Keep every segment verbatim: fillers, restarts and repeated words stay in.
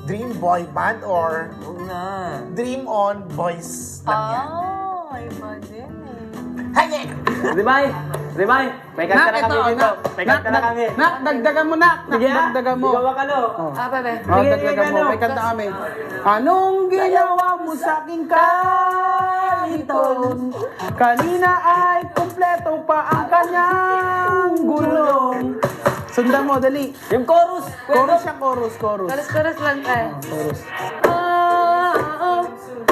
dream boy band or Huwag na. dream on boys lang yan? Oh, iba din eh. Hangin! Rimay! Rimay! May kanta na kami dito. May kanta na kami. Nak, dagdagan mo, nak. Nak, Sige ah. dagdagan mo. Ikaw ka, no? Ah, bebe. Oh, dagdagan mo. May kanta kami. Anong ginawa mo sa aking kariton? Kanina ay kumpleto pa ang kanyang gulong. Sundan mo, dali. Yung chorus! Chorus siya, chorus, chorus. Karas-karas lang tayo. Chorus. Oh, oh,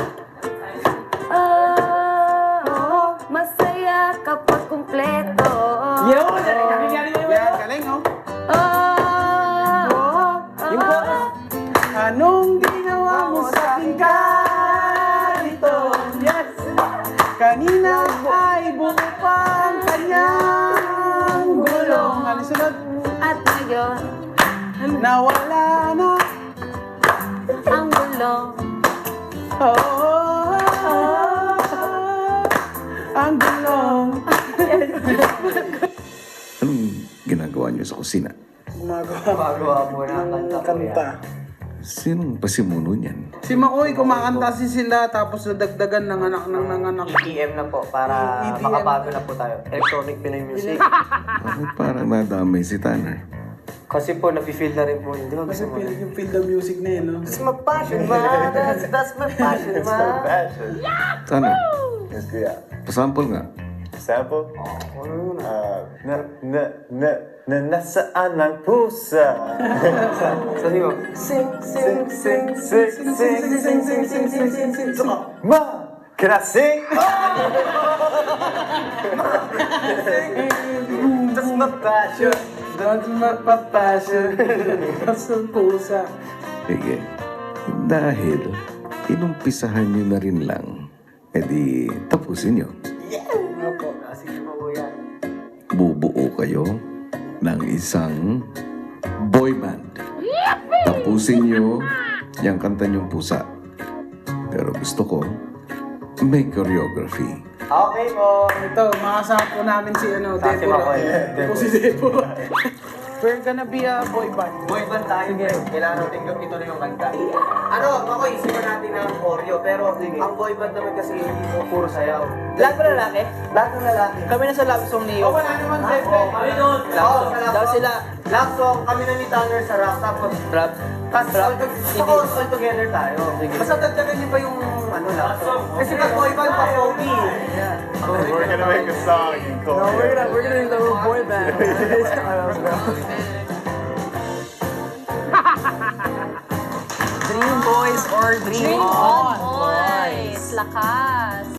oh, masaya kapag kumpleto. Yun! Nangyari na Yan, yun! galing, oh. Oh, Oh, Yung chorus! anong ginawa mo sa aking kariton? Yes! Kanina ay buo pa ang kanyang gulong. Ano sunod? at ngayon, Nawala na. ang gulong. Oh, oh, oh, ang gulong. Anong ginagawa niyo sa kusina? Gumagawa. Magawa mo na ang kanta ko Kanta. yan. Sinong pasimuno niyan? Si Makoy, kumakanta si sila tapos nadagdagan ng anak ng nanganak. E D M na po para E D M. makabago na po tayo. Electronic Pinoy music. Bakit parang nadamay si Tanner? Kasi po, nafe-feel na rin po yun. Di ba Kasi gusto mo? feel, yung feel the music na yun, no? That's my passion, man. That's, that's my passion, man. Tanner, Yes, kuya. pasample nga. Sample? Ano yun? Ah, na, na, na, na, nasaan ang pusa? Sabi mo, sing, sing, sing, Sing, sing, sing, sing, sing, sing, sing, sing, sing, sing. Ma! Can I sing? that's my passion. Don't magpapasyon. Pasong pusa. Sige. Dahil inumpisahan niyo na rin lang, edi tapusin niyo. Opo. Ah, sige po yan. Bubuo kayo ng isang boy band. Tapusin niyo yung kanta niyong pusa. Pero gusto ko, may choreography. Okay po. Ito, makasama po namin si ano, Sa si Deborah. Makoy. Ito si Deborah. We're gonna be a boy band. Boy band tayo ngayon. Kailangan natin gawin ito na yung kanta. Ano, ako isipan natin ng choreo. Pero ang boy band naman kasi hindi mo puro sayaw. Lahat ba lalaki? Lahat ng lalaki. Kami na sa love song ni Oh, wala naman, Pepe. Kami doon. Oo, sa love Daw song. sila. Love song, kami na ni Tanner sa rap. Tapos, Rap. tapos all, all, all together tayo. Basta dagdagan niyo pa yung ano love song. Kasi pag boy band pa, pogi. We're gonna make a song in Korean. we're gonna do the boy band. Dream boys or dream, Dream on. on.